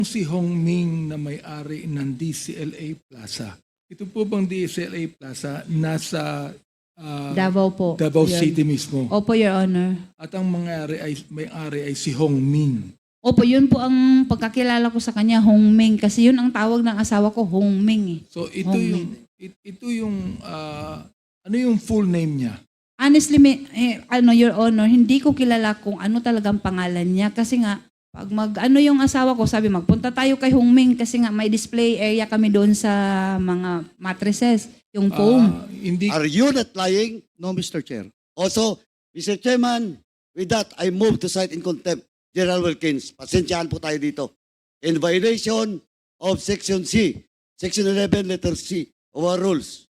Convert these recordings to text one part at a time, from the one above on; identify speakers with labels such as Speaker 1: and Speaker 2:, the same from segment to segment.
Speaker 1: Si Hong Ming na may-ari ng DCLA Plaza. Ito po bang DCLA Plaza nasa
Speaker 2: Davao po.
Speaker 1: Davao
Speaker 2: Your-
Speaker 1: City mismo?
Speaker 2: Opo, Your Honor.
Speaker 1: At ang may-ari ay si Hong Ming.
Speaker 2: Opo, yun po ang pagkakilala ko sa kanya, Hong Ming. Kasi yun ang tawag ng asawa ko, Hong Ming.
Speaker 1: So ito
Speaker 2: Hong
Speaker 1: yung ano yung full name niya?
Speaker 2: Honestly, Your Honor, hindi ko kilala kung ano talagang pangalan niya. Kasi nga, pag yung asawa ko, sabi magpunta tayo kay Hong Ming kasi nga may display area kami doon sa mga mattresses, yung foam.
Speaker 1: Hindi
Speaker 3: Are you not lying? No, Mr. Chair. Also, Mr. Chairman, with that, I move to cite in contempt General Wilkins. Pasensyahan po tayo dito. In violation of Section C, Section 11, letter C of our rules.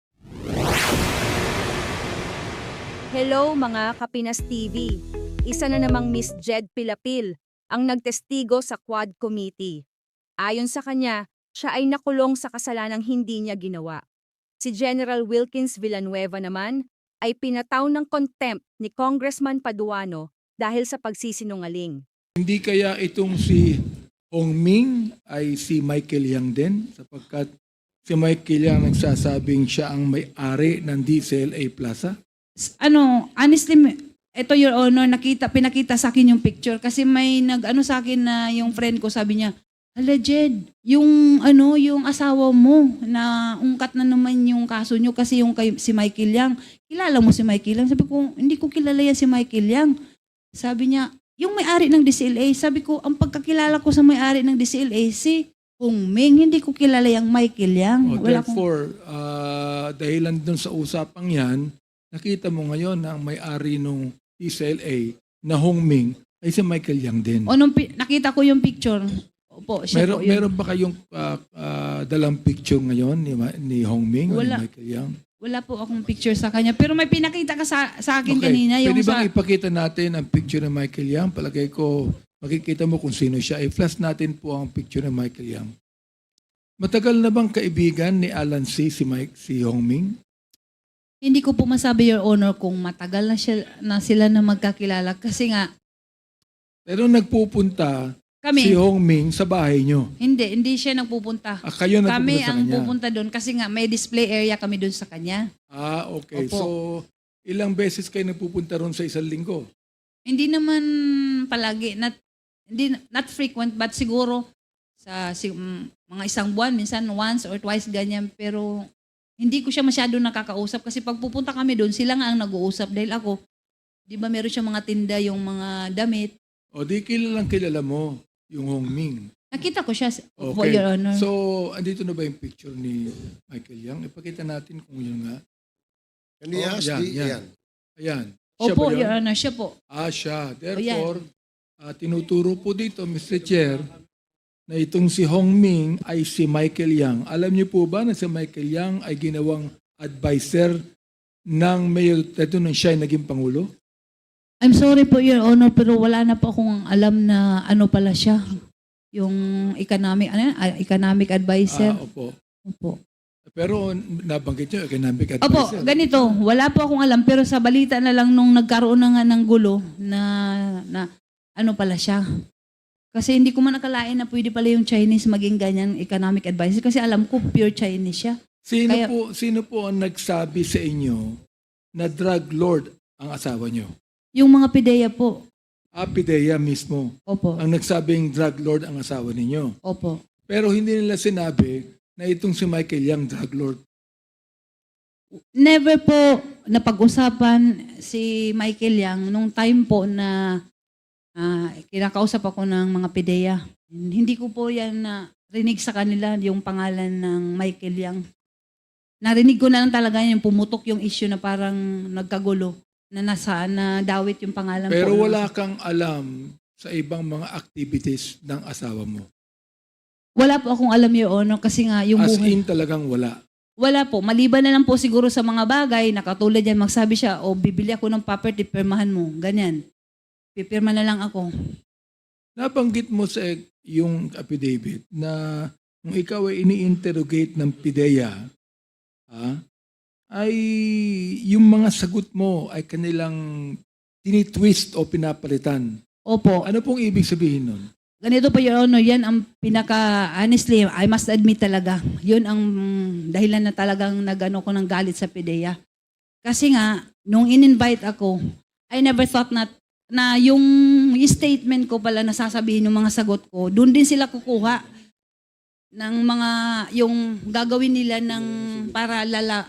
Speaker 4: Hello mga Kapinas TV. Isa na namang Miss Jed Pilapil ang nagtestigo sa Quad Committee. Ayon sa kanya, siya ay nakulong sa kasalanang hindi niya ginawa. Si General Wilkins Villanueva naman ay pinataw ng contempt ni Congressman Paduano dahil sa pagsisinungaling.
Speaker 1: Hindi kaya itong si Hong Ming ay si Michael Yang din sapagkat si Michael Yang nagsasabing siya ang may-ari ng DCLA Plaza?
Speaker 2: Honestly, ito, Your Honor, pinakita sa akin yung picture kasi may sa akin na yung friend ko, sabi niya, hala Jed, yung asawa mo na ungkat na naman yung kaso nyo kasi si Michael Yang. Kilala mo si Michael Yang? Sabi ko, hindi ko kilala yan si Michael Yang. Sabi niya, yung may-ari ng DCLA. Sabi ko, ang pagkakilala ko sa may-ari ng DCLA, si Hong Ming, hindi ko kilala yung Michael Yang.
Speaker 1: Therefore, dahilan dun sa usapang yan, nakita mo ngayon na ang may-ari ng DCLA na Hong Ming ay si Michael Yang din.
Speaker 2: Nakita ko yung picture. Opo, siya po yun.
Speaker 1: Meron ba kayong dalang picture ngayon ni Hong Ming o ni
Speaker 2: Wala.
Speaker 1: Michael Yang?
Speaker 2: Wala po akong picture sa kanya. Pero may pinakita ka sa akin
Speaker 1: Okay.
Speaker 2: kanina. Yung
Speaker 1: Pwede bang ipakita natin ang picture ni Michael Yang? Palagay ko, makikita mo kung sino siya. I-flash natin po ang picture ni Michael Yang. Matagal na bang kaibigan ni Alan C. si Hong Ming?
Speaker 2: Hindi ko po masabi, Your Honor, kung matagal na sila na magkakilala. Kasi nga,
Speaker 1: Pero nagpupunta si
Speaker 2: kami,
Speaker 1: Hong Ming sa bahay nyo.
Speaker 2: hindi siya nagpupunta.
Speaker 1: Kayo nagpupunta
Speaker 2: Kami
Speaker 1: sa
Speaker 2: ang
Speaker 1: kanya.
Speaker 2: pupunta doon kasi nga may display area kami doon sa kanya.
Speaker 1: Okay.
Speaker 2: Opo.
Speaker 1: So, ilang beses kayo nagpupunta ron sa isang linggo?
Speaker 2: Hindi naman palagi, not frequent, but siguro sa mga isang buwan, minsan once or twice ganyan. Pero hindi ko siya masyado nakakausap kasi pag pupunta kami doon, sila nga ang nag-uusap dahil ako, di ba meron siya mga tinda, yung mga damit.
Speaker 1: O di kilala mo yung Hong Ming.
Speaker 2: Nakita ko siya, for
Speaker 1: Okay.
Speaker 2: Your Honor.
Speaker 1: So, andito na ba yung picture ni Michael Yang? Ipakita natin kung yun nga.
Speaker 3: Can we ask the...
Speaker 1: yan. Ayan. Siya
Speaker 2: Opo,
Speaker 1: ba yun?
Speaker 2: Your Honor, siya po.
Speaker 1: Siya. Therefore, tinuturo po dito, Mr. Chair, na itong si Hong Ming ay si Michael Yang. Alam niyo po ba na si Michael Yang ay ginawang advisor ng Mayor Teto nung siya ay naging Pangulo?
Speaker 2: I'm sorry po, Your Honor, pero wala na po akong alam na ano pala siya. Yung economic advisor.
Speaker 1: Opo.
Speaker 2: Opo.
Speaker 1: Pero nabanggit niyo, economic
Speaker 2: Opo,
Speaker 1: advisor.
Speaker 2: ganito. Wala po akong alam, pero sa balita na lang nung nagkaroon na nga ng gulo na ano pala siya. Kasi hindi ko man nakalain na pwede pala yung Chinese maging ganyan economic advisor kasi alam ko pure Chinese siya.
Speaker 1: Sino po ang nagsabi sa inyo na drug lord ang asawa niyo?
Speaker 2: Yung mga pideya po.
Speaker 1: Pidea mismo
Speaker 2: Opo.
Speaker 1: ang nagsabing drug lord ang asawa ninyo.
Speaker 2: Opo.
Speaker 1: Pero hindi nila sinabi na itong si Michael Yang drug lord.
Speaker 2: Never po napag-usapan si Michael Yang nung time po na kinakausap ako ng mga pideya. Hindi ko po yan rinig sa kanila yung pangalan ng Michael Yang. Narinig ko na lang talaga yung pumutok yung issue na parang nagkagulo na dawit yung pangalan
Speaker 1: Pero
Speaker 2: po.
Speaker 1: wala kang alam sa ibang mga activities ng asawa mo.
Speaker 2: Wala po akong alam, Your Honor, kasi nga yung
Speaker 1: As
Speaker 2: buhay.
Speaker 1: in talagang wala.
Speaker 2: Wala po. Maliban na lang po siguro sa mga bagay na katulad yan, magsabi siya, bibili ako ng property, pirmahan mo. Ganyan. Pipirma na lang ako.
Speaker 1: Nabanggit mo sa yung affidavit na kung ikaw ay ini-interrogate ng PIDEA, ay yung mga sagot mo ay kanilang tinitwist o pinapalitan.
Speaker 2: Opo.
Speaker 1: Ano pong ibig sabihin nun?
Speaker 2: Ganito po, Your Honor, yan ang honestly, I must admit talaga, yun ang dahilan na talagang nagano ko ng galit sa PIDEA. Kasi nga, nung in-invite ako, I never thought na yung statement ko pala na sasabihin ng mga sagot ko, doon din sila kukuha ng mga, yung gagawin nila ng para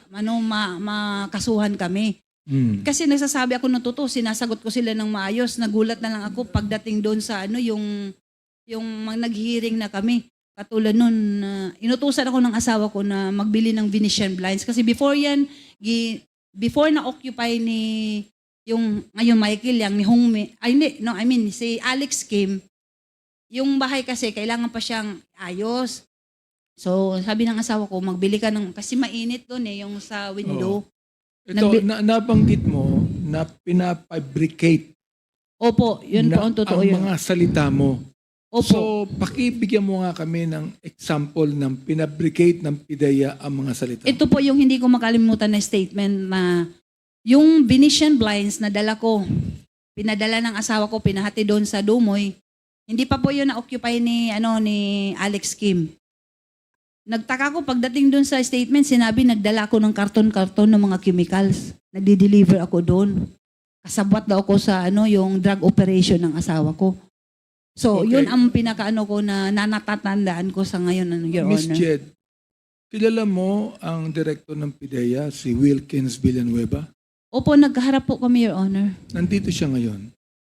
Speaker 2: makasuhan kami. Kasi nagsasabi ako ng totoo, sinasagot ko sila ng maayos, nagulat na lang ako pagdating doon sa yung nag-hearing na kami. Katulad nun, inutusan ako ng asawa ko na magbili ng Venetian blinds. Kasi before yan, before na-occupy ni yung ngayon Michael Yang, ni Hongmi, si Alex Kim, yung bahay kasi kailangan pa siyang ayos. So sabi ng asawa ko, magbili ka ng, kasi mainit doon yung sa window.
Speaker 1: Ito, nabanggit mo na pinafabricate
Speaker 2: Opo, yun po ang totoo
Speaker 1: ang
Speaker 2: yun.
Speaker 1: mga salita mo.
Speaker 2: Opo.
Speaker 1: So, pakibigyan mo nga kami ng example ng pinabricate ng PIDEA ang mga salita.
Speaker 2: Ito po yung hindi ko makalimutan na statement na yung Venetian blinds na dala ko, pinadala ng asawa ko, pinahati doon sa Dumoy. Hindi pa po yun na-occupy ni Alex Kim. Nagtaka ko pagdating doon sa statement, sinabi nagdala ako ng karton-karton ng mga chemicals. Nagdi-deliver ako doon. Kasabwat daw ako sa yung drug operation ng asawa ko. So,
Speaker 1: Okay.
Speaker 2: yun ang pinakaano ko na natatandaan ko sa ngayon, Your
Speaker 1: Miss
Speaker 2: Honor.
Speaker 1: Jed, kilala mo ang director ng PIDEA, si Wilkins Villanueva?
Speaker 2: Opo, nagkaharap po kami, Your Honor.
Speaker 1: Nandito siya ngayon.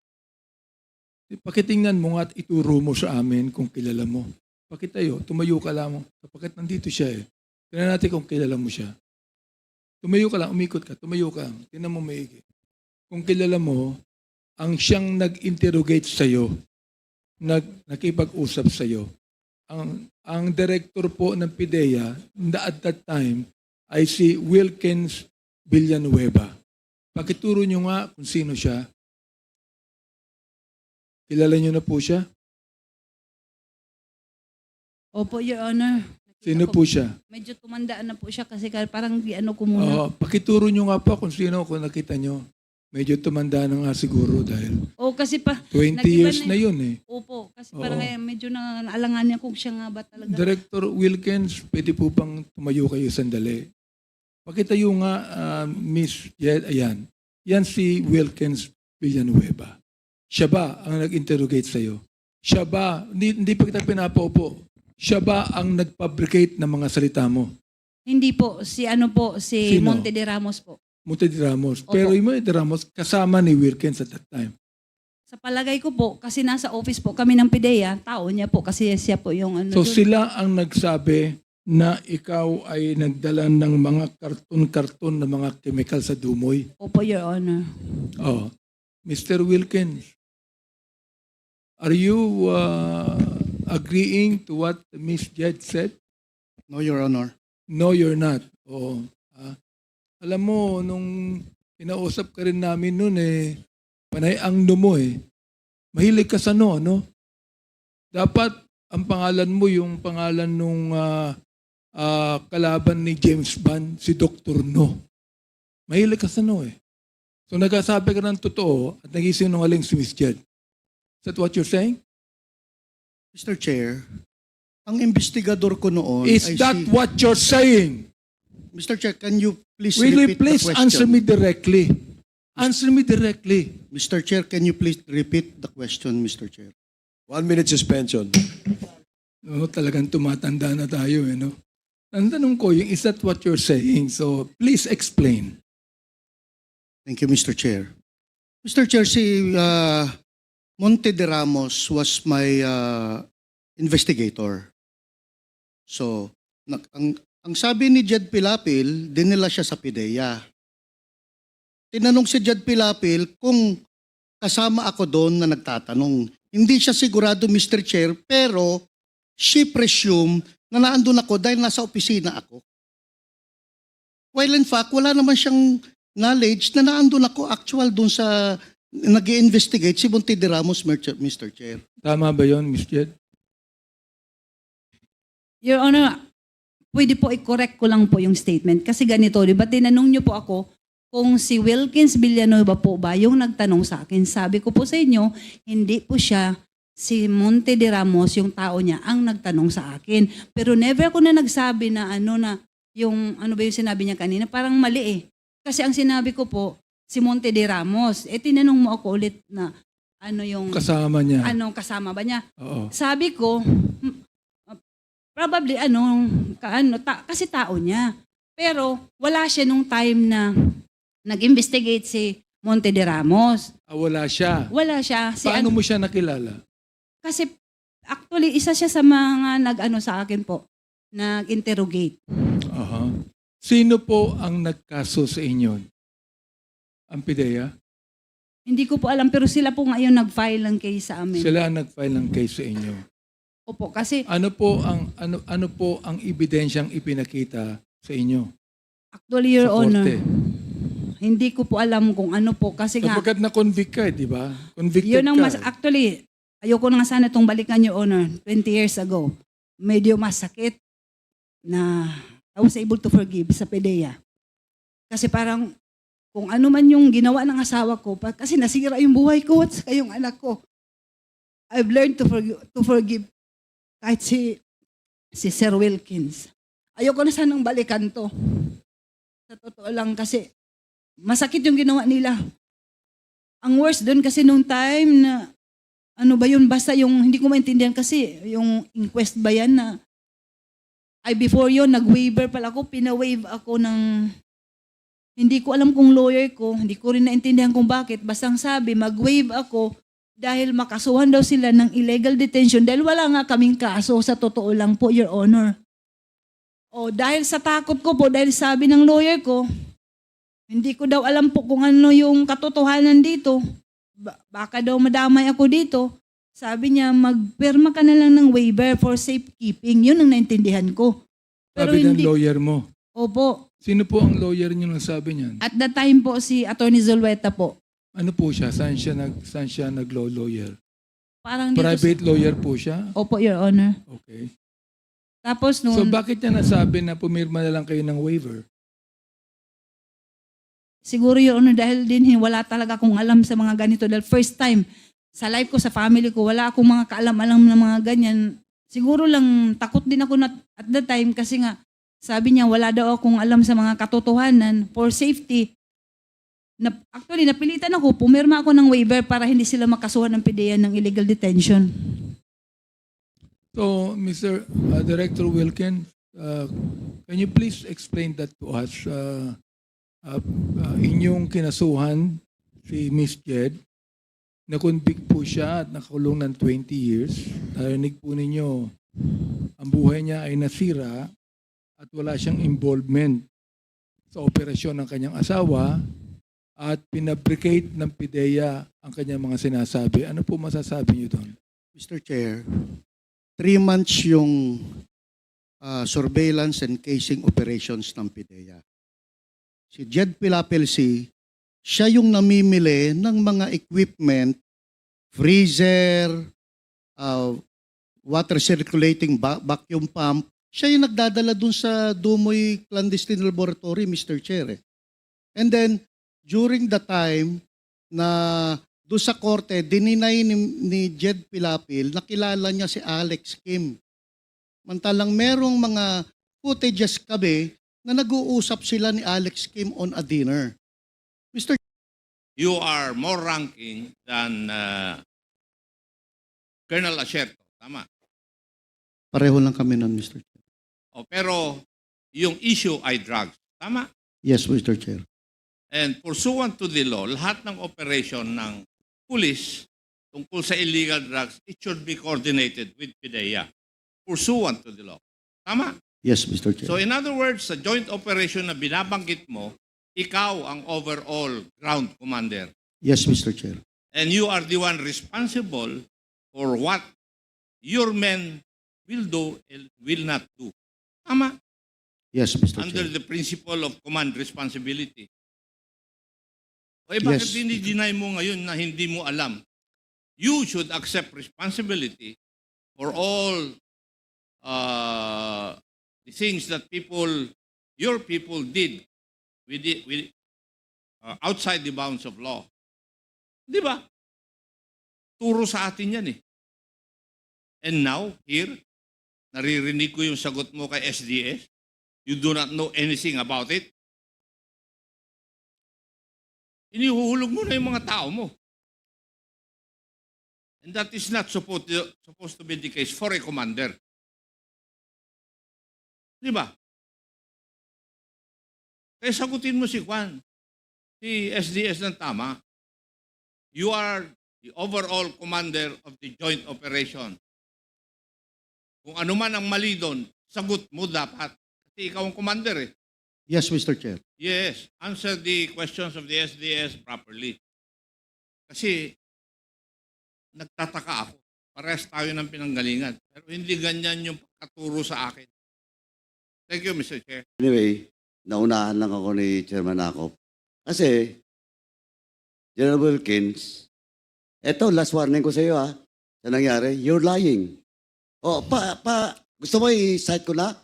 Speaker 1: Pakitingnan mo nga at ituro mo sa amin kung kilala mo. Pakitayo, tumayo ka lang. Sapagkat nandito siya eh. Tingnan natin kung kilala mo siya. Tumayo ka lang, umikot ka, tumayo ka. Tingnan mo maigi. Kung kilala mo, ang siyang nag-interrogate sa'yo, nakipag-usap sa'yo, ang director po ng PIDEA at that time ay si Wilkins Villanueva. Pakituro nyo nga kung sino siya. Kilala nyo na po siya?
Speaker 2: Opo, Your Honor.
Speaker 1: Sino po siya?
Speaker 2: Medyo tumandaan na po siya kasi parang ko muna.
Speaker 1: Pakituro nyo nga po kung sino, kung nakita nyo. Medyo tumanda na nga siguro dahil
Speaker 2: Kasi pa,
Speaker 1: 20
Speaker 2: nag-iba
Speaker 1: years
Speaker 2: na
Speaker 1: na yun eh.
Speaker 2: opo, kasi
Speaker 1: Oo.
Speaker 2: parang medyo naalangan niya kung siya nga ba talaga.
Speaker 1: Director Wilkins, pwede po bang tumayo kayo sandali? Pakitayo nga, Miss Jed, ayan. Yan si Wilkins Villanueva. Siya ba ang nag-interrogate sa'yo? Siya ba, hindi pa kita pinapaupo, siya ba ang nag-fabricate ng mga salita mo?
Speaker 2: Hindi po, si
Speaker 1: Sino?
Speaker 2: Monte de Ramos po.
Speaker 1: Monte de Ramos.
Speaker 2: Opo.
Speaker 1: Pero yung Monte de Ramos, kasama ni Wilkins at that time.
Speaker 2: Sa palagay ko po, kasi nasa office po kami ng PIDEA, tao niya po kasi siya po yung
Speaker 1: So
Speaker 2: dun.
Speaker 1: sila ang nagsabi na ikaw ay nagdala ng mga karton-karton na mga chemical sa Dumoy.
Speaker 2: Opo, Your Honor.
Speaker 1: Oh, Mr. Wilkins, are you agreeing to what Miss Jed said?
Speaker 5: No, Your Honor.
Speaker 1: No, you're not. Oh, alam mo, nung inausap ka rin namin noon panay ang mo Mahilig ka sa no? Dapat ang pangalan mo yung pangalan nung kalaban ni James Bond, si Dr. No. Mahilig ka sa no So nagsasabi ka ng totoo at nagisinungaling si Miss Jed. Is that what you're saying?
Speaker 5: Mr. Chair, ang investigador ko noon
Speaker 1: Is
Speaker 5: ay
Speaker 1: that
Speaker 5: si...
Speaker 1: what you're saying?
Speaker 5: Mr. Chair, can you please
Speaker 1: Will you
Speaker 5: repeat
Speaker 1: please
Speaker 5: the question?
Speaker 1: answer me directly? Answer me directly.
Speaker 5: Mr. Chair, can you please repeat the question, Mr. Chair?
Speaker 6: 1 minute suspension.
Speaker 1: No, talagang tumatanda na tayo no? Ang tanong ko, is that what you're saying? So please explain.
Speaker 5: Thank you, Mr. Chair. Mr. Chair, si Monte de Ramos was my investigator. So, ang sabi ni Jed Pilapil, dinala siya sa PIDEA. Tinanong si Jed Pilapil kung kasama ako doon na nagtatanong. Hindi siya sigurado, Mr. Chair, pero she presumed na naandun ako dahil nasa opisina ako. While in fact, wala naman siyang knowledge na naandun ako actual doon sa nag-i-investigate si Monte de Ramos, Mr. Chair.
Speaker 1: Tama ba yon, Miss Jed?
Speaker 2: Your Honor, pwede po i-correct ko lang po yung statement. Kasi ganito, di ba tinanong niyo po ako kung si Wilkins Villanueva po ba yung nagtanong sa akin. Sabi ko po sa inyo, hindi po siya si Monte de Ramos, yung tao niya, ang nagtanong sa akin. Pero never ako na nagsabi na yung ano ba yung sinabi niya kanina, parang mali eh. Kasi ang sinabi ko po, si Monte de Ramos. Tinanong mo ako ulit na yung
Speaker 1: Kasama niya.
Speaker 2: kasama ba niya?
Speaker 1: Oo.
Speaker 2: Sabi ko, probably kasi tao niya. Pero wala siya nung time na nag-investigate si Monte de Ramos.
Speaker 1: Wala siya.
Speaker 2: Wala siya.
Speaker 1: Paano mo siya nakilala?
Speaker 2: Kasi actually, isa siya sa mga sa akin po, nag-interrogate.
Speaker 1: Aha. Sino po ang nagkaso sa inyo? Ang PIDEA?
Speaker 2: Hindi ko po alam, pero sila po ngayon nag-file ng case sa amin.
Speaker 1: Sila ang nag-file ng case sa inyo.
Speaker 2: Opo, kasi
Speaker 1: Ano po ang ebidensyang ipinakita sa inyo?
Speaker 2: actually, Your
Speaker 1: sa
Speaker 2: Honor,
Speaker 1: korte?
Speaker 2: hindi ko po alam kung ano po. Kasi nga,
Speaker 1: Sapagkat na-convict ka, di ba? Convicted
Speaker 2: yun ang
Speaker 1: ka.
Speaker 2: actually, ayoko na nga sana itong balikan, Your Honor, 20 years ago. Medyo masakit na I was able to forgive sa PDEA. Kasi parang, kung ano man yung ginawa ng asawa ko, kasi nasira yung buhay ko at saka yung anak ko. I've learned to forgive kahit si Sir Wilkins. Ayoko na sanang balikan to. Sa totoo lang kasi masakit yung ginawa nila. Ang worst doon kasi nung time na basta yung hindi ko maintindihan kasi yung inquest ba yan na before yon nag-waiver pala ako, pina-waive ako ng hindi ko alam kung lawyer ko, hindi ko rin naintindihan kung bakit. Basta ang sabi, mag-waive ako dahil makasuhan daw sila ng illegal detention dahil wala nga kaming kaso sa totoo lang po, Your Honor. Dahil sa takot ko po, dahil sabi ng lawyer ko, hindi ko daw alam po kung ano yung katotohanan dito. Baka daw madamay ako dito. Sabi niya, magpirma ka na lang ng waiver for safekeeping. Yun ang naintindihan ko.
Speaker 1: Sabi ng lawyer mo.
Speaker 2: Opo.
Speaker 1: Sino po ang lawyer niyo nang sabi niyan?
Speaker 2: At that time po, si Attorney Zulueta po.
Speaker 1: Ano po siya? Saan siya nag-law lawyer?
Speaker 2: Parang dito
Speaker 1: Private lawyer po siya?
Speaker 2: Opo, Your Honor.
Speaker 1: Okay.
Speaker 2: Tapos
Speaker 1: So
Speaker 2: noon,
Speaker 1: bakit niya nasabi na pumirma na lang kayo ng waiver?
Speaker 2: siguro Your Honor, dahil din wala talaga akong alam sa mga ganito. Dahil first time, sa life ko, sa family ko, wala akong mga kaalam-alam na mga ganyan. Siguro lang, takot din ako at that time kasi nga, sabi niya, wala daw akong alam sa mga katotohanan for safety. Actually, napilitan ako, pumirma ako ng waiver para hindi sila makasuhan ng PDEA ng illegal detention.
Speaker 1: So, Mr. Director Wilkin, can you please explain that to us? Inyong kinasuhan si Miss Jed, na-convict po siya at nakakulong ng 20 years. Narinig po ninyo, ang buhay niya ay nasira at wala siyang involvement sa operasyon ng kanyang asawa at pinabricate ng PIDEA ang kanyang mga sinasabi. Ano po masasabi niyo doon?
Speaker 5: Mr. Chair, 3 months yung surveillance and casing operations ng PIDEA. Si Jed Pilapilsi, siya yung namimili ng mga equipment, freezer, water circulating vacuum pump. Siya yung nagdadala dun sa Dumoy Clandestine Laboratory, Mr. Chair. And then, during the time na doon sa korte, dininay ni Jed Pilapil, nakilala niya si Alex Kim. Mantalang merong mga footages kami na nag-uusap sila ni Alex Kim on a dinner. Mr.
Speaker 7: You are more ranking than Colonel Acerto. Tama.
Speaker 5: Pareho lang kami nun, Mr. Chair.
Speaker 7: Pero yung issue ay drugs. Tama.
Speaker 5: Yes, Mr. Chair.
Speaker 7: And pursuant to the law, lahat ng operation ng police tungkol sa illegal drugs, it should be coordinated with PIDEA. Pursuant to the law. Tama.
Speaker 5: Yes, Mr. Chair.
Speaker 7: So in other words, sa joint operation na binabanggit mo, ikaw ang overall ground commander.
Speaker 5: Yes, Mr. Chair.
Speaker 7: And you are the one responsible for what your men will do and will not do. Tama.
Speaker 5: Yes, Mr.
Speaker 7: Under
Speaker 5: Chair.
Speaker 7: the principle of command responsibility. Bakit
Speaker 5: Yes.
Speaker 7: dinideny mo ngayon na hindi mo alam? You should accept responsibility for all the things that your people did outside the bounds of law. Di ba? Turo sa atin yan eh. And now, here, naririnig ko yung sagot mo kay SDS. You do not know anything about it. Inihuhulog mo na yung mga tao mo. And that is not supposed to be the case for a commander. Di ba? Kaya sagutin mo si Juan, si SDS ng tama. You are the overall commander of the joint operation. Kung ano man ang mali doon, sagot mo dapat. Kasi ikaw ang commander eh.
Speaker 5: Yes, Mr. Chair.
Speaker 7: Yes, answer the questions of the SDS properly. Kasi nagtataka ako. Parehas tayo ng pinanggalingan. Pero hindi ganyan yung pagkaturo sa akin. Thank you, Mr. Chair.
Speaker 3: Anyway, naunahan lang ako ni Chairman Akop. Kasi, General Wilkins, eto, last warning ko sa iyo sa nangyari, you're lying. O, gusto mo i-cite ko na?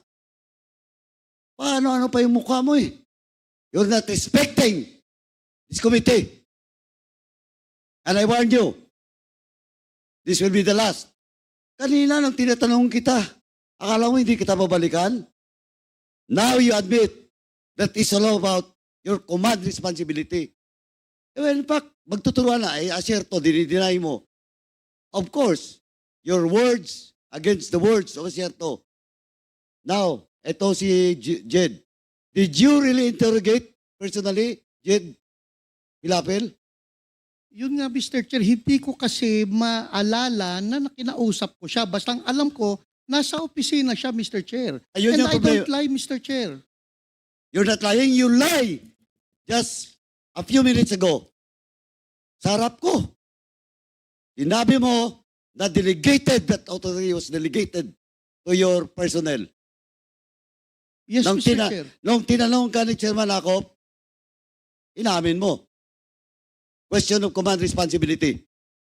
Speaker 3: Paano pa yung mukha mo eh? You're not respecting this committee. And I warn you, this will be the last. Kanina nang tinatanong kita, akala mo hindi kita babalikan? Now you admit that it's all about your command responsibility. Well, in fact, magtuturuan na, aserto, dinideny mo. Of course, your words against the words of aserto. Now, eto si Jed. Did you really interrogate personally, Jed Pilapil?
Speaker 5: Yun nga, Mr. Chair, hindi ko kasi maalala na kinausap ko siya. Basta ang alam ko, nasa opisina siya, Mr. Chair.
Speaker 3: Ayun
Speaker 5: And
Speaker 3: yung
Speaker 5: I
Speaker 3: problema.
Speaker 5: don't lie, Mr. Chair.
Speaker 3: You're not lying, you lie. Just a few minutes ago, sa harap ko, sinabi mo na delegated, that authority was delegated to your personnel.
Speaker 5: Yes,
Speaker 3: Nung
Speaker 5: Mr. Chair.
Speaker 3: Nung tinanong ka ni Chairman Akop, inamin mo. Question of command responsibility.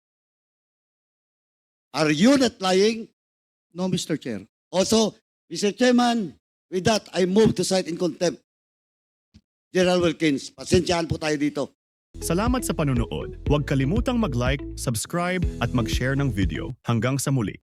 Speaker 3: Are you not lying?
Speaker 5: No, Mr. Chair.
Speaker 3: Also, Mr. Chairman, with that, I move to cite in contempt General Wilkins. Pasensyahan po tayo dito.
Speaker 8: Salamat sa panunood. Huwag kalimutang mag-like, subscribe at mag-share ng video. Hanggang sa muli.